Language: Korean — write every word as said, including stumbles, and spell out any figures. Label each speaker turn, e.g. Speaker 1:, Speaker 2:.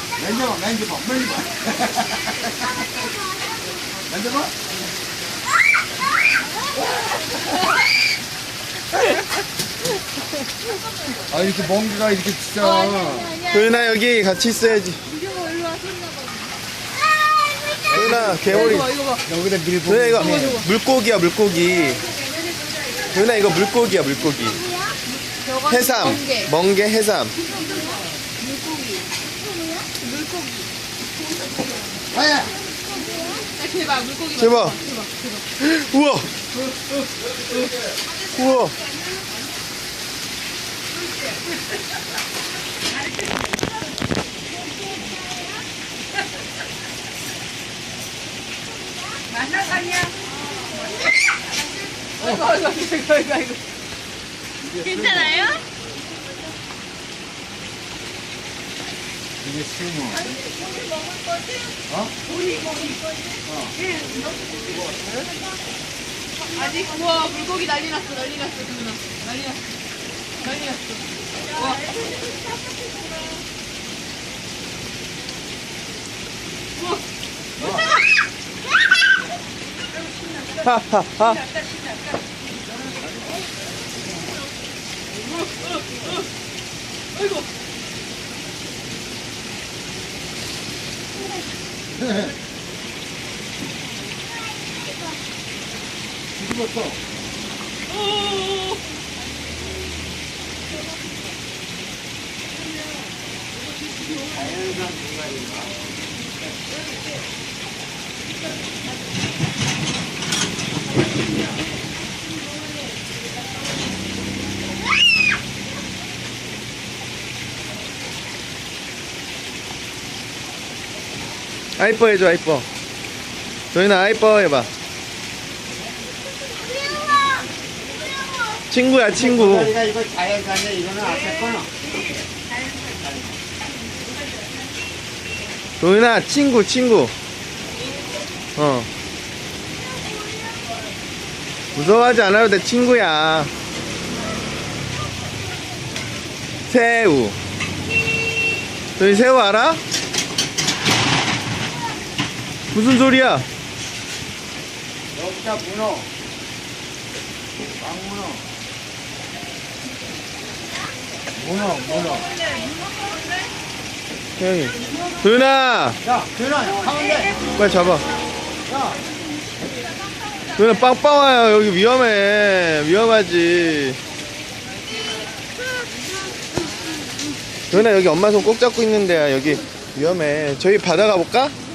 Speaker 1: 만져봐, 만져봐, 만져봐. 만져봐. 아, 이렇게 먼 개가 이렇게 진짜.
Speaker 2: 도윤아 여기 같이 있어야지. 도윤아 개오리.
Speaker 3: 이거 봐, 이거 봐.
Speaker 1: 여기다 밀고.
Speaker 2: 도윤아 이거 물고기야 물고기. 도윤아 이거 물고기야 물고기. 해삼.
Speaker 3: 멍게.
Speaker 2: 멍게 해삼.
Speaker 1: 아야.
Speaker 3: 아, 대박, 물고기 봐.
Speaker 2: 제발. 우와. 우와.
Speaker 3: 만나가냐? 아이고, 아이고, 아이고, 아이고, 아이고. 괜찮아요?
Speaker 1: 이게 스모.
Speaker 3: 우리 먹을 거지?
Speaker 1: 어?
Speaker 3: 우리 먹을 거지? 어. 아직, 우와, 물고기 난리 났어, 난리 났어, 누나. 난리 났어. 난리 났어. 와. 우와.
Speaker 2: 하하하.
Speaker 3: 아이고.
Speaker 1: 뒤집었어.
Speaker 3: 오.
Speaker 2: 아이뻐 해줘 아이뻐. 도윤아 아이뻐 해봐. 친구야 친구.
Speaker 1: 이거 이거 자연산이야. 이거는 앞에 거는.
Speaker 2: 도윤아 친구 친구. 어. 무서워하지 않아도 돼 친구야. 새우. 도윤 새우 알아? 무슨 소리야?
Speaker 1: 여기다 문어. 왕문어. 문어, 문어.
Speaker 2: 형이. 도윤아
Speaker 1: 야, 도윤아, 가운데.
Speaker 2: 빨리 잡아.
Speaker 1: 야,
Speaker 2: 도윤아 빵빵 와요. 여기 위험해. 위험하지. 도윤아 여기 엄마 손 꼭 잡고 있는데야. 여기 위험해. 저기 바다 가볼까?